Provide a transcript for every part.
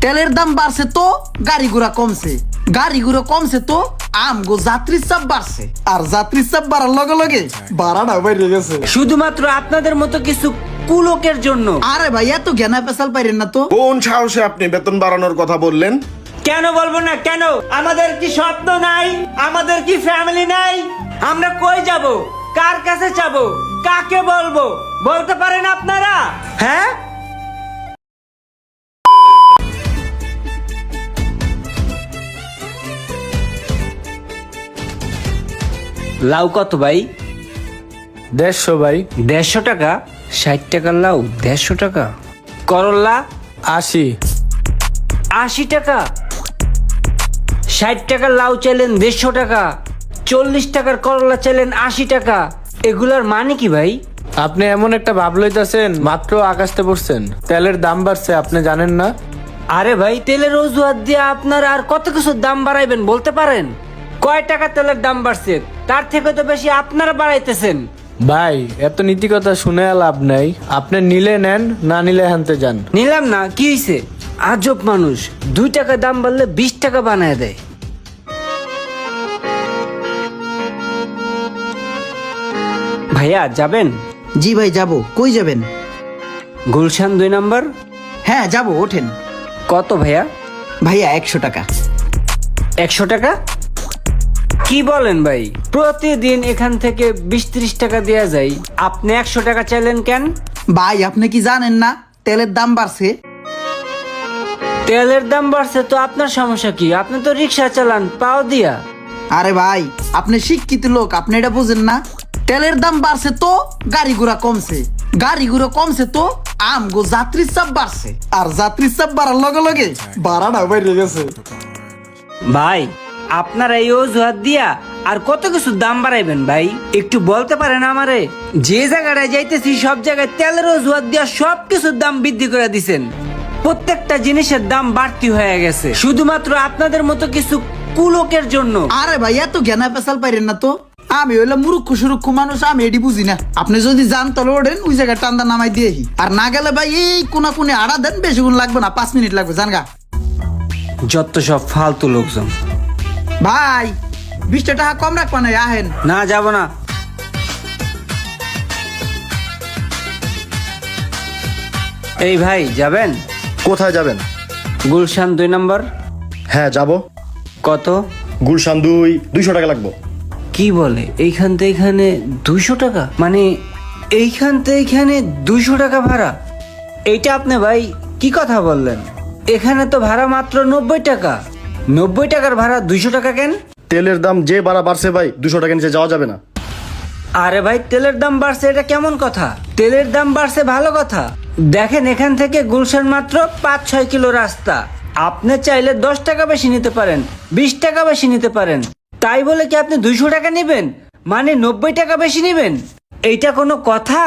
তেলের দাম বাড়ছে তো গাড়ি ঘোড়া কমছে, গাড়ি ঘোড়া কমছে তো আমগো যাত্রীর চাপ বাড়ছে, আর যাত্রীর চাপ বাড়ার লগে লগে ভাড়াটা বেড়ে গেছে শুধুমাত্র আপনাদের মতো কিছু কুলোকের জন্য। আরে ভাই এত জ্ঞানা পেশাল পাইরেন না তো। কোন সাহসে আপনি বেতন বাড়ানোর কথা বললেন? কেন বলবো না কেন? আমাদের কি স্বপ্ন নাই? আমাদের কি ফ্যামিলি নাই? আমরা কই যাব? কার কাছে যাব? কাকে বলবো? বলতে পারেন আপনারা? হ্যাঁ, লাউ কত ভাই? 150 ভাই। 150 টাকা? 60 টাকার লাউ 150 টাকা? করল্লা 80। 80 টাকা? 60 টাকার লাউ চাইলেন 150 টাকা, 40 টাকার করলা চাইলেন 80 টাকা। এগুলার মানে কি ভাই? আপনি এমন একটা ভাব লইতাছেন মাত্র আকাশতে পড়ছেন, তেলের দাম বাড়ছে আপনি জানেন না? আরে ভাই, তেলের অজুহাত দিয়ে আপনারা আর কত কিছু দাম বাড়াইবেন বলতে পারেন? কয় টাকা তেলের দাম বাড়ছে? তার থেকে তো বেশি আপনারা বাড়াইতেছেন। ভাই এত নীতি কথা শুনে লাভ নাই, আপনি নিলে নেন, না নিলে হানতে যান। নিলাম না, কি হয়েছে? আজব মানুষ, 2 টাকা দাম বাড়লে 20 টাকা বানায় দেয়। ভাইয়া যাবেন? জি ভাই যাব। কই যাবেন? গুলশান 2 নম্বর। হ্যাঁ যাব, ওঠেন। কত ভাইয়া? ভাইয়া 100 টাকা। 100 টাকা? কি বলেন ভাই? প্রতিদিন এখান থেকে 20-30 টাকা দেয়া যায়, আপনি 100 টাকা চাইলেন কেন? ভাই আপনি কি জানেন না তেলের দাম বাড়ছে? তেলের দাম বাড়ছে তো আপনার সমস্যা কি? আপনি তো রিক্সা চালান পাও দিয়া। আরে ভাই আপনি শিক্ষিত লোক, আপনি এটা বুঝেন না? তেলের দাম বাড়ছে তো গাড়ি ঘোড়া কমছে, গাড়ি ঘোড়া কমছে তো আমগো যাত্রীর চাপ বাড়ছে, আর যাত্রীর চাপ বাড়ার লগে লগে ভাড়াটা বেড়ে গেছে। ভাই আপনারা এই অজুহাত দিয়া আর কত কিছু দাম বাড়াইবেন ভাই? একটু বলতে পারেন আমারে? যে জায়গাটায় যাইতেছি সব জায়গায় তেলের অজুহাত দিয়া সব কিছুর দাম বৃদ্ধি করে দিছেন, প্রত্যেকটা জিনিসের দাম বাড়তি হয়ে গেছে শুধুমাত্র আপনাদের মতো কিছু কুলোকের জন্য। আরে ভাই এত জ্ঞানা পেশাল পাইরেন না তো। আমি হইলাম মুরুক্ষ সুরুক্ষ মানুষ, আমি এটি বুঝি না। আপনি যদি যান তাহলে ওঠেন, ওই জায়গায় টান্দা নামাই দিয়েহি। আর না গেলে ভাই এই কোনা কোনে আড়া দেন, বেশিক্ষণ লাগবে না, 5 মিনিট লাগবে, জানগা। যত সব ফালতু লোকজন। ভাই 20 টাকা কম রাখবা না, আহেন। না, যাব না। এই ভাই যাবেন? কোথায় যাবেন? গুলশান 2 নম্বর। হ্যাঁ যাব। কত? গুলশান 200 টাকা লাগবে। কি বলে? এইখান থেকে এখানে 200 টাকা? মানে এইখান থেকে এখানে 200 টাকা ভাড়া? এইটা আপনি ভাই কি কথা বললেন? এখানে তো ভাড়া মাত্র 90 টাকা। 90 টাকার ভাড়া 200 টাকা কেন? তেলের দাম যে বাড়ছে ভাই, 200 টাকা নিচে যাওয়া যাবে না। আরে ভাই, তেলের দাম বাড়ছে এটা কেমন কথা? তেলের দাম বাড়ছে ভালো কথা। দেখেন এখান থেকে গুলশান মাত্র 5-6 কিলো রাস্তা। আপনি চাইলে 10 টাকা বেশি নিতে পারেন, 20 টাকা বেশি নিতে পারেন। তাই বলে কি আপনি 200 টাকা নেবেন? মানে 90 টাকা বেশি নেবেন? এইটা কোনো কথা?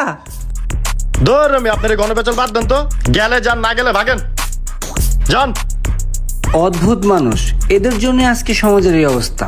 ধর আমি আপনার গণপেচল বাদ দেন তো, গেলে যান, না গেলে ভাগেন, যান। অদ্ভুত মানুষ, এদের জন্য আজকে সমাজের এই অবস্থা।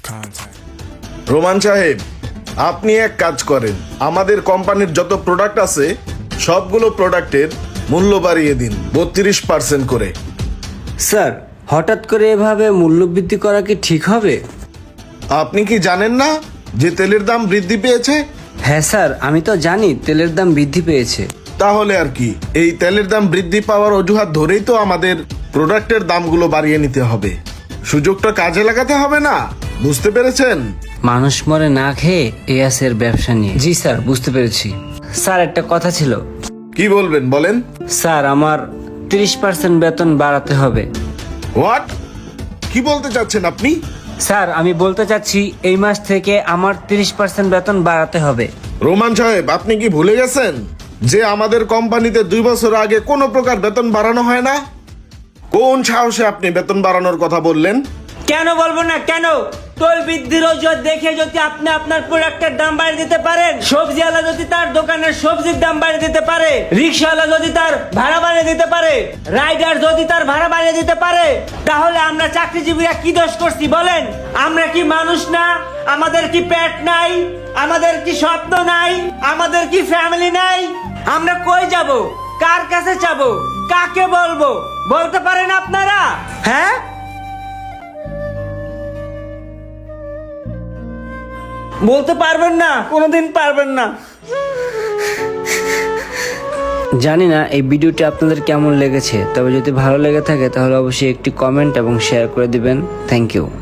রোমান সাহেব, আপনি এক কাজ করেন, আমাদের কোম্পানির যত প্রোডাক্ট আছে সবগুলো প্রোডাক্টের মূল্য বাড়িয়ে দিন 32% করে। স্যার, হঠাৎ করে এভাবে মূল্যবৃদ্ধি করা কি ঠিক হবে? আপনি কি জানেন না যে তেলের দাম বৃদ্ধি পেয়েছে? হ্যাঁ স্যার, আমি তো জানি তেলের দাম বৃদ্ধি পেয়েছে। তাহলে আর কি, এই তেলের দাম বৃদ্ধি পাওয়ার অজুহাত ধরেই তো আমাদের প্রোডাক্টের দামগুলো বাড়িয়ে নিতে হবে। সুযোগটা কাজে লাগাতে হবে না, বুঝতে পেরেছেন? মানুষ মরে না খেয়ে এর ব্যবসা নিয়ে। জি স্যার, বুঝতে পেরেছি। স্যার একটা কথা ছিল। কি বলবেন বলেন। স্যার, আমার 30% বেতন বাড়াতে হবে। হোয়াট? কি বলতে চাচ্ছেন আপনি? স্যার, আমি বলতে চাচ্ছি এই মাস থেকে আমার 30% বেতন বাড়াতে হবে। রোমান সাহেব, আপনি কি ভুলে গেছেন যে আমাদের কোম্পানিতে 2 বছর আগে কোনো প্রকার বেতন বাড়ানো হয় না? কোন সাহসে আপনি বেতন বাড়ানোর কথা বললেন? কেন বলবো না কেন? তৈল বৃদ্ধির অজুহাত দেখে যদি আপনি আপনার প্রোডাক্টের দাম বাড়িয়ে দিতে পারেন, সবজিওয়ালা যদি তার দোকানের সবজির দাম বাড়িয়ে দিতে পারে, রিক্সাওয়ালা যদি তার ভাড়া বাড়িয়ে দিতে পারে, রাইডার যদি তার ভাড়া বাড়িয়ে দিতে পারে, তাহলে আমরা চাকরিজীবীরা কি দোষ করছি বলেন? আমরা কি মানুষ না? আমাদের কি পেট নাই? আমাদের কি স্বপ্ন নাই? আমাদের কি ফ্যামিলি নাই? আমরা কই যাব? কার কাছে যাব? কাকে বলবো? বলতে পারেন আপনারা? হ্যাঁ, বলতে পারবেন না, কোনোদিন পারবেন না। জানি না এই ভিডিওটি আপনাদের কেমন লেগেছে, তবে যদি ভালো লেগে থাকে তাহলে অবশ্যই একটি কমেন্ট এবং শেয়ার করে দিবেন। Thank you.